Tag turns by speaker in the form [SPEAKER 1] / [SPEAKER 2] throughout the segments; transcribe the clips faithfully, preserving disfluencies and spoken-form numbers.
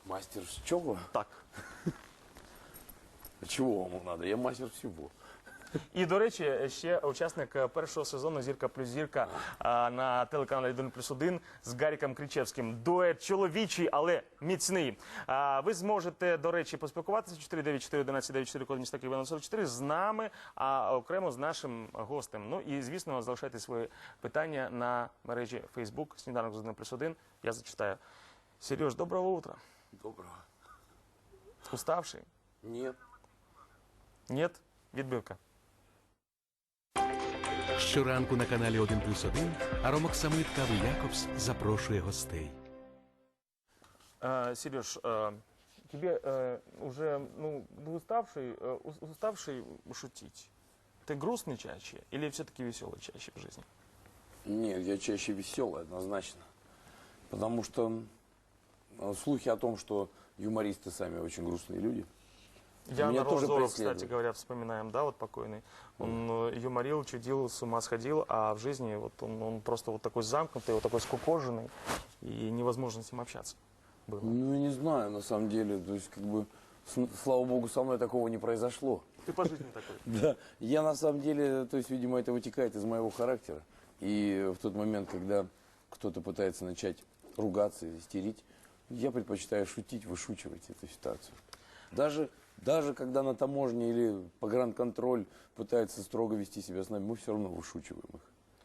[SPEAKER 1] Мастер с чего?
[SPEAKER 2] Так.
[SPEAKER 1] Чего вам надо? Я мастер всего.
[SPEAKER 2] І, до речі, ще учасник першого сезону «Зірка плюс зірка» а, на телеканалі один плюс один з Гаріком Кричевським. Дует чоловічий, але міцний. А, ви зможете, до речі, поспілкуватися чотири дев'ять чотири одинадцять дев'ять чотири код міста Києва сорок чотири з нами, а окремо з нашим гостем. Ну і, звісно, залишайте свої питання на мережі Facebook «Сніданок з один плюс один». Я зачитаю. Сереж, доброго утра.
[SPEAKER 1] Доброго.
[SPEAKER 2] Уставший?
[SPEAKER 1] Нет.
[SPEAKER 2] Нет? Відбивка.
[SPEAKER 3] Щоранку на каналі один плюс один Аромок Самит Кави Якобс запрошує гостей.
[SPEAKER 2] А, Сереж, а, тебе а, уже, ну, ты уставший, а, уставший шутить? Ты грустный чаще или все-таки веселый чаще в жизни?
[SPEAKER 1] Нет, я чаще веселый, однозначно. Потому что э, слухи о том, что юмористы сами очень грустные люди.
[SPEAKER 2] Я
[SPEAKER 1] Меня
[SPEAKER 2] на
[SPEAKER 1] тоже
[SPEAKER 2] Розова,
[SPEAKER 1] преследует.
[SPEAKER 2] кстати говоря, вспоминаем, да, вот покойный. Он э, юморил, чудил, с ума сходил, а в жизни вот он, он просто вот такой замкнутый, вот такой скукоженный, и невозможно с ним общаться было.
[SPEAKER 1] Ну, я не знаю, на самом деле. То есть, как бы, с- слава богу, со мной такого не произошло.
[SPEAKER 2] Ты по жизни такой.
[SPEAKER 1] Да, я на самом деле, то есть, видимо, это вытекает из моего характера. И в тот момент, когда кто-то пытается начать ругаться, истерить, я предпочитаю шутить, вышучивать эту ситуацию. Даже, даже когда на таможне или погранконтроль пытается строго вести себя с нами, мы все равно вышучиваем их.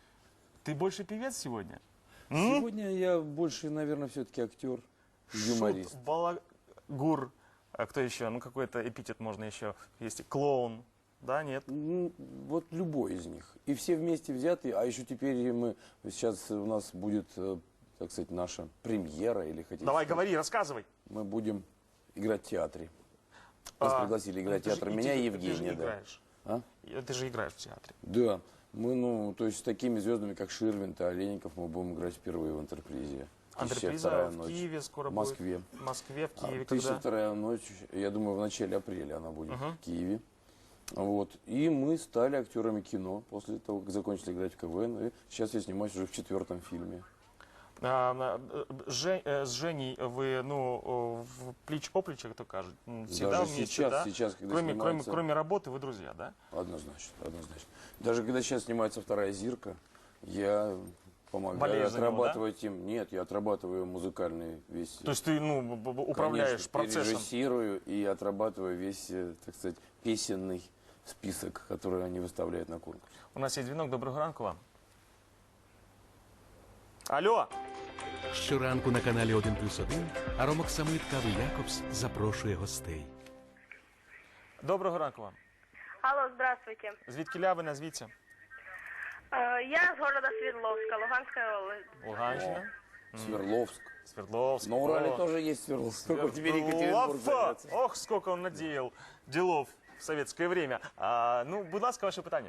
[SPEAKER 2] Ты больше певец сегодня?
[SPEAKER 1] Сегодня я больше, наверное, все-таки актер, юморист.
[SPEAKER 2] Шут, балагур, а кто еще? Ну, какой-то эпитет можно еще. Есть клоун. Да, нет?
[SPEAKER 1] Ну, вот любой из них. И все вместе взятые, а еще теперь мы, сейчас у нас будет, э, так сказать, наша премьера, или хотите
[SPEAKER 2] Давай,
[SPEAKER 1] сказать,
[SPEAKER 2] говори, рассказывай.
[SPEAKER 1] мы будем играть в театре. Нас
[SPEAKER 2] А,
[SPEAKER 1] пригласили играть в
[SPEAKER 2] ты же-
[SPEAKER 1] театр
[SPEAKER 2] и
[SPEAKER 1] меня
[SPEAKER 2] ты-
[SPEAKER 1] и
[SPEAKER 2] Ты же
[SPEAKER 1] Евгения. Да.
[SPEAKER 2] играешь.
[SPEAKER 1] А?
[SPEAKER 2] И Ты же играешь в театре.
[SPEAKER 1] Да. Мы, ну, то есть с такими звездами, как Ширвинт и Олейников, мы будем играть впервые в «Антрепризе». «Тысяча
[SPEAKER 2] Антреприза
[SPEAKER 1] вторая
[SPEAKER 2] в
[SPEAKER 1] ночь».
[SPEAKER 2] Киеве скоро
[SPEAKER 1] В Москве.
[SPEAKER 2] будет. В Москве, в
[SPEAKER 1] А,
[SPEAKER 2] Киеве,
[SPEAKER 1] «Тысяча
[SPEAKER 2] когда?
[SPEAKER 1] вторая ночь», я думаю, в начале апреля она будет
[SPEAKER 2] Мгм.
[SPEAKER 1] в Киеве. Вот. И мы стали актерами кино после того, как закончили играть в КВН. И сейчас я снимаюсь уже в четвертом фильме.
[SPEAKER 2] А, а, Же- э, с Женей вы, ну, о, в плеч-оплеч, как то кажут, м, всегда
[SPEAKER 1] Даже
[SPEAKER 2] вместе,
[SPEAKER 1] сейчас,
[SPEAKER 2] да?
[SPEAKER 1] сейчас, когда
[SPEAKER 2] Кроме, кроме,
[SPEAKER 1] снимается...
[SPEAKER 2] кроме работы вы друзья, да?
[SPEAKER 1] Однозначно, однозначно. Даже когда сейчас снимается вторая «Зирка», я помогаю
[SPEAKER 2] Болеешь за него,
[SPEAKER 1] отрабатывать им. Нет, я отрабатываю музыкальный весь.
[SPEAKER 2] То есть ты, ну, б- б- управляешь
[SPEAKER 1] Конечно,
[SPEAKER 2] процессом.
[SPEAKER 1] режиссирую и отрабатываю весь, э, так сказать, песенный список, который они выставляют на конкурс.
[SPEAKER 2] У нас є дзвінок, доброго ранку вам. Алло!
[SPEAKER 3] Щоранку на каналі один плюс один Аромок Самит Кави Якобс запрошує гостей.
[SPEAKER 2] Доброго ранку вам.
[SPEAKER 4] Алло, здравствуйте.
[SPEAKER 2] Звідки ля ви, назвіться?
[SPEAKER 4] Э, Я с города Свердловска, Луганская область.
[SPEAKER 2] Луганщина,
[SPEAKER 1] Свердловск.
[SPEAKER 2] Свердловск.
[SPEAKER 1] На Урале
[SPEAKER 2] О,
[SPEAKER 1] тоже есть Свердловск. Только теперь Екатеринбург
[SPEAKER 2] Свердлов!
[SPEAKER 1] зовется.
[SPEAKER 2] Ох, сколько он наделал делов в советское время. А, ну, будь ласка, ваше питання.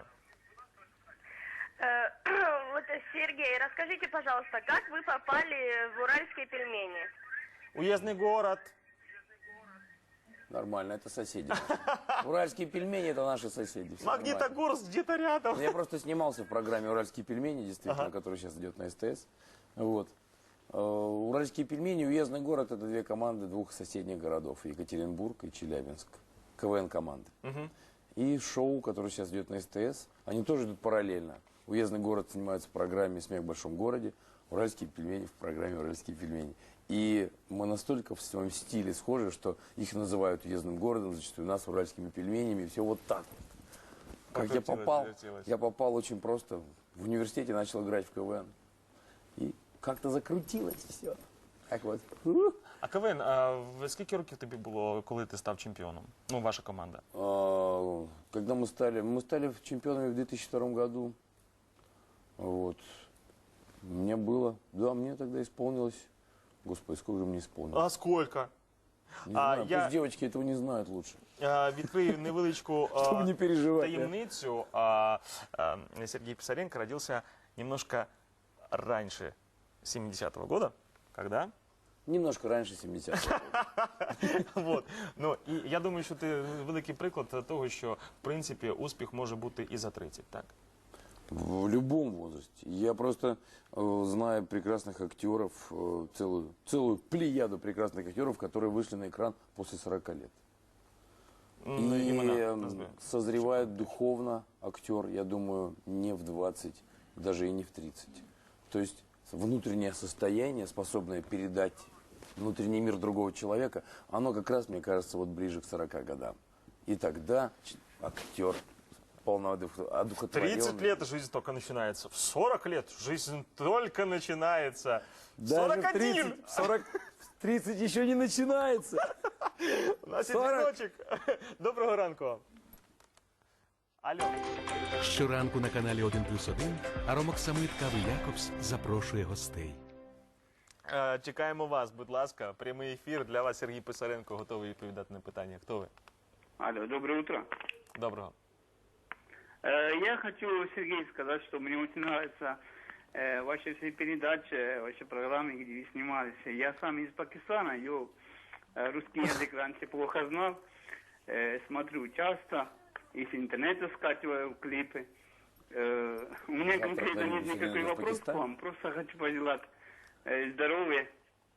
[SPEAKER 4] Э, Вот, э, Сергей, расскажите, пожалуйста, как вы попали в уральские пельмени?
[SPEAKER 2] Уездный город.
[SPEAKER 1] Нормально, это соседи. Уральские пельмени — это наши соседи. всё нормально.
[SPEAKER 2] Магнитогорск где-то рядом.
[SPEAKER 1] Ну, я просто снимался в программе «Уральские пельмени», действительно,
[SPEAKER 2] Ага.
[SPEAKER 1] которая сейчас идет на СТС. Вот. Э, Уральские пельмени, уездный город — это две команды двух соседних городов, Екатеринбург и Челябинск. КВН-команды.
[SPEAKER 2] Мгм.
[SPEAKER 1] И шоу, которое сейчас идет на СТС, они тоже идут параллельно. Уездный город снимается в программе «Смех в большом городе», уральские пельмени в программе «Уральские пельмени». И мы настолько в своем стиле схожи, что их называют уездным городом, зачастую нас уральскими пельменями, и все вот так. Как я
[SPEAKER 2] Покрутилось,
[SPEAKER 1] попал,
[SPEAKER 2] завертелось.
[SPEAKER 1] я попал очень просто. В университете начал играть в КВН. И как-то закрутилось все. Так вот.
[SPEAKER 2] А КВН, а в скільки років тобі було, коли ти став чемпіоном? Ну, ваша команда.
[SPEAKER 1] А, Когда мы стали, мы стали чемпионами в две тысячи втором году. Вот. Мне было, да, мне тогда исполнилось, господи, сколько же мне исполнилось?
[SPEAKER 2] А сколько?
[SPEAKER 1] Не
[SPEAKER 2] а,
[SPEAKER 1] знаю,
[SPEAKER 2] я-
[SPEAKER 1] пусть девочки этого не знают лучше.
[SPEAKER 2] А, Відкрию невеличку а,
[SPEAKER 1] Чтобы не переживать. да.
[SPEAKER 2] таємницю. А, а, Сергей Писаренко родился немножко раньше семидесятого года, когда?
[SPEAKER 1] Немножко раньше семидесятых.
[SPEAKER 2] Вот. Ну, і я думаю, що ти великий приклад того, що, в принципі, успіх може бути і за тридцять, так?
[SPEAKER 1] В любом возрасте. Я просто э, знаю прекрасных актеров, э, целую, целую плеяду прекрасных актеров, которые вышли на экран после сорока лет.
[SPEAKER 2] Ну,
[SPEAKER 1] И
[SPEAKER 2] імена
[SPEAKER 1] э,
[SPEAKER 2] назви.
[SPEAKER 1] созревает духовно актер, я думаю, не в двадцать, даже и не в тридцать. То есть внутреннее состояние, способное передать внутренний мир другого человека, оно как раз, мне кажется, вот ближе к сорока годам. И тогда ч- актер полноодухотворенный.
[SPEAKER 2] тридцать лет жизнь только начинается. В сорок лет жизнь только начинается.
[SPEAKER 1] Даже
[SPEAKER 2] сорок
[SPEAKER 1] в
[SPEAKER 2] один!
[SPEAKER 1] тридцать, сорок, в тридцать еще не начинается.
[SPEAKER 2] У нас є
[SPEAKER 1] сорок.
[SPEAKER 2] дзвіночок. Доброго ранку вам. Алло.
[SPEAKER 3] Щоранку на каналі один плюс один Аромок Самит Кави Якобс запрошує гостей.
[SPEAKER 2] Е, Чекаємо вас, будь ласка. Прямий ефір. Для вас Сергій Писаренко готовий відповідати на питання. Хто ви?
[SPEAKER 5] Алло, доброе утро.
[SPEAKER 2] Доброго.
[SPEAKER 5] Э, Я хочу, Сергей, сказать, что мне очень нравятся э, ваши все передачи, ваши программы, где вы снимались. Я сам из Пакистана, я э, русский язык раньше плохо знал, э, смотрю часто, из интернета скачиваю клипы. Э, У меня
[SPEAKER 1] Завтра
[SPEAKER 5] конкретно нет
[SPEAKER 1] поедем
[SPEAKER 5] никакой
[SPEAKER 1] в
[SPEAKER 5] вопрос к
[SPEAKER 1] Пакистан.
[SPEAKER 5] вам, просто хочу пожелать э, здоровья.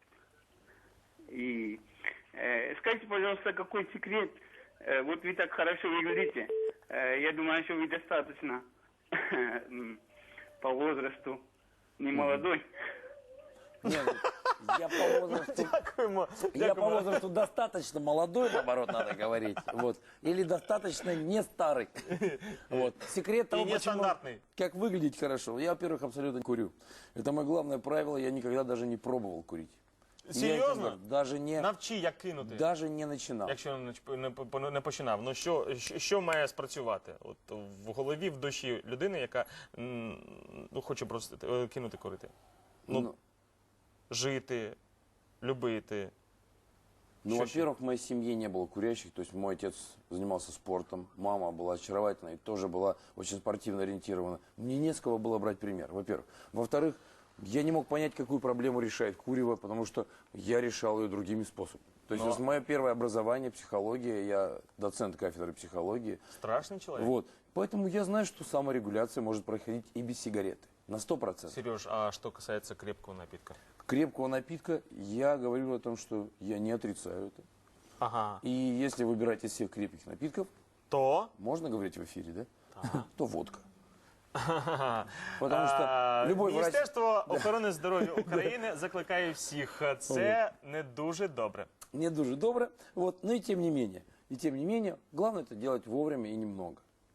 [SPEAKER 5] И э, скажите, пожалуйста, какой секрет? Э, Вот вы так хорошо выглядите. Э, Я думаю, что вы достаточно м, по возрасту не молодой.
[SPEAKER 1] Нет, ну, я по возрасту,
[SPEAKER 2] Дякуємо.
[SPEAKER 1] я по
[SPEAKER 2] Дякуємо.
[SPEAKER 1] возрасту достаточно молодой, наоборот, надо говорить. Вот. Или достаточно не старый. Вот. Секрет того,
[SPEAKER 2] И
[SPEAKER 1] почему,
[SPEAKER 2] нестандартный.
[SPEAKER 1] как выглядеть хорошо. Я, во-первых, абсолютно не курю. Это мое главное правило. Я никогда даже не пробовал курить. Я это
[SPEAKER 2] Серйозно?
[SPEAKER 1] говорю, даже не,
[SPEAKER 2] Навчи, як кинути.
[SPEAKER 1] даже не начинал.
[SPEAKER 2] Якщо не, чп- не, по- не починав, ну що, що, що має спрацювати? От в голові, в душі людини, яка м, ну, хоче просто е, кинути курити. Ну,
[SPEAKER 1] Ну,
[SPEAKER 2] жити, любити.
[SPEAKER 1] Ну,
[SPEAKER 2] Что
[SPEAKER 1] во-первых, в моей семье не было курящих, то есть мой отец занимался спортом, мама была очаровательной, тоже была очень спортивно ориентирована. Мне не с кого было брать пример, во-первых. Во-вторых, я не мог понять, какую проблему решает курево, потому что я решал ее другими способами. То есть
[SPEAKER 2] Но-
[SPEAKER 1] вот мое первое образование, психология, я доцент кафедры психологии.
[SPEAKER 2] Страшний чоловік.
[SPEAKER 1] Вот. Поэтому я знаю, что саморегуляция может проходить и без сигареты. На сто процентов.
[SPEAKER 2] Сереж, а что касается крепкого напитка?
[SPEAKER 1] Крепкого напитка я говорю о том, что я не отрицаю это.
[SPEAKER 2] Ага.
[SPEAKER 1] И если выбирать из всех крепких напитков,
[SPEAKER 2] То?
[SPEAKER 1] можно говорить в эфире, да? То водка.
[SPEAKER 2] Ага.
[SPEAKER 1] Потому що
[SPEAKER 2] А,
[SPEAKER 1] любой врач-
[SPEAKER 2] Міністерство охорони здоров'я України закликає всіх. Це не дуже добре.
[SPEAKER 1] Не дуже добре. Вот. Но и тем не менее. И тем не менее, главное это делать вовремя и немного.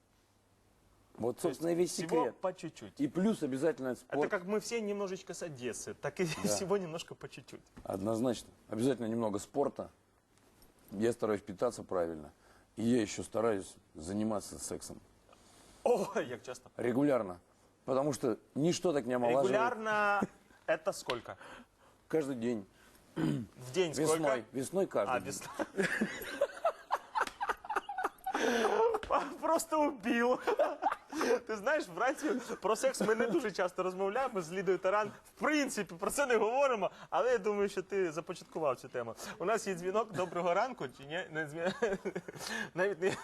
[SPEAKER 1] Вот, собственно, и весь
[SPEAKER 2] Всего
[SPEAKER 1] секрет.
[SPEAKER 2] по чуть-чуть.
[SPEAKER 1] И плюс обязательно
[SPEAKER 2] Это
[SPEAKER 1] спорт.
[SPEAKER 2] как мы все немножечко с Одессы, так и всего немножко по чуть-чуть.
[SPEAKER 1] Однозначно. Обязательно немного спорта. Я стараюсь питаться правильно. И я еще стараюсь заниматься сексом.
[SPEAKER 2] Ой, як часто.
[SPEAKER 1] Регулярно. Потому что ничто так не омолаживает.
[SPEAKER 2] Регулярно это сколько?
[SPEAKER 1] Каждый день.
[SPEAKER 2] В день
[SPEAKER 1] Весной.
[SPEAKER 2] сколько?
[SPEAKER 1] Весной каждый
[SPEAKER 2] А,
[SPEAKER 1] день.
[SPEAKER 2] весна. Просто убив. Ти знаєш, вранці про секс ми не дуже часто розмовляємо з Лідою Таран. В принципі, про це не говоримо, але я думаю, що ти започаткував цю тему. У нас є дзвінок. Доброго ранку, чи ні? Не дзвін- Навіть не...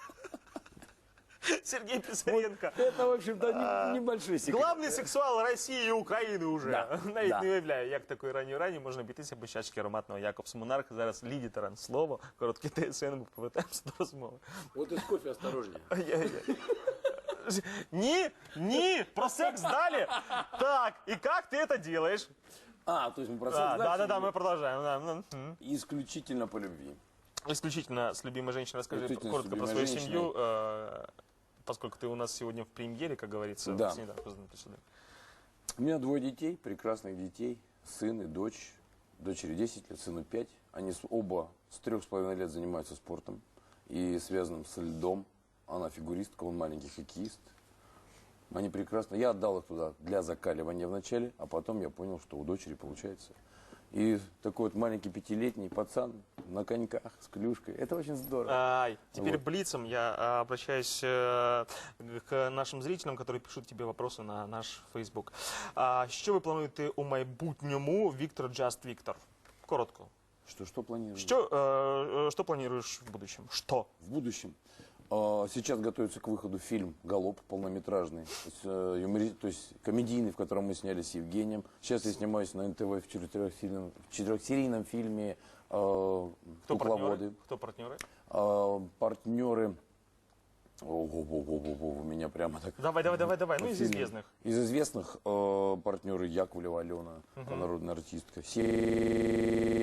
[SPEAKER 2] Сергій Писаренко.
[SPEAKER 1] Это, в общем-то, не- небольшой секрет.
[SPEAKER 2] Главний сексуал Росії і України уже.
[SPEAKER 1] Да,
[SPEAKER 2] Навіть
[SPEAKER 1] да.
[SPEAKER 2] не уявляю, як такої ранньої рані можна обійтися без чашки ароматного Якобс Монарх. Зараз Ліді Таран слово. Короткий ТСН, ми повертаємося до розмови.
[SPEAKER 1] Вот из кофе осторожнее.
[SPEAKER 2] Ай-яй-яй. Ні, ні, про секс далі. Так, и как ты это делаешь?
[SPEAKER 1] А, то есть мы про секс
[SPEAKER 2] Да, да,
[SPEAKER 1] дальше
[SPEAKER 2] да, да,
[SPEAKER 1] идем?
[SPEAKER 2] мы продолжаем. Да, ну, м.
[SPEAKER 1] Исключительно по любви.
[SPEAKER 2] Исключительно с любимой женщиной. Расскажи
[SPEAKER 1] Исключительно с
[SPEAKER 2] коротко про
[SPEAKER 1] любимой
[SPEAKER 2] свою
[SPEAKER 1] женщиной.
[SPEAKER 2] семью, э, поскольку ты у нас сегодня в премьере, как говорится,
[SPEAKER 1] Да.
[SPEAKER 2] в снеданку с Дмитрием.
[SPEAKER 1] У меня двое детей, прекрасных детей, сын и дочь. Дочери десять лет, сыну пять. Они с- оба с трех с половиной лет занимаются спортом и связанным с льдом. Она фигуристка, он маленький хоккеист. Они прекрасно. Я отдал их туда для закаливания вначале, а потом я понял, что у дочери получается. И такой вот маленький пятилетний пацан на коньках с клюшкой. Это очень здорово.
[SPEAKER 2] Ай, теперь
[SPEAKER 1] Вот.
[SPEAKER 2] блицом я а, обращаюсь э, к нашим зрителям, которые пишут тебе вопросы на наш Фейсбук. А, що ви плануєте у майбутньому, Віктор Just Віктор? Коротко.
[SPEAKER 1] Что, что планируешь?
[SPEAKER 2] Що, э, э, що плануєш в будущем? Що?
[SPEAKER 1] В будущем. А, Сейчас готовится к выходу фильм «Галоп» полнометражный, то есть, э, юмори- то есть комедийный, в котором мы сняли с Евгением. Сейчас я снимаюсь на эн тэ вэ в четырехсерийном, в четырехсерийном фильме э,
[SPEAKER 2] Кто
[SPEAKER 1] «Кукловоды».
[SPEAKER 2] партнеры? Кто партнеры?
[SPEAKER 1] А, партнеры... Ого-го-го-го, у меня прямо так...
[SPEAKER 2] Давай, давай, давай, давай. Ну, из
[SPEAKER 1] Фильм.
[SPEAKER 2] известных.
[SPEAKER 1] Из известных э, партнеры Яковлева Алена, народная артистка. Се-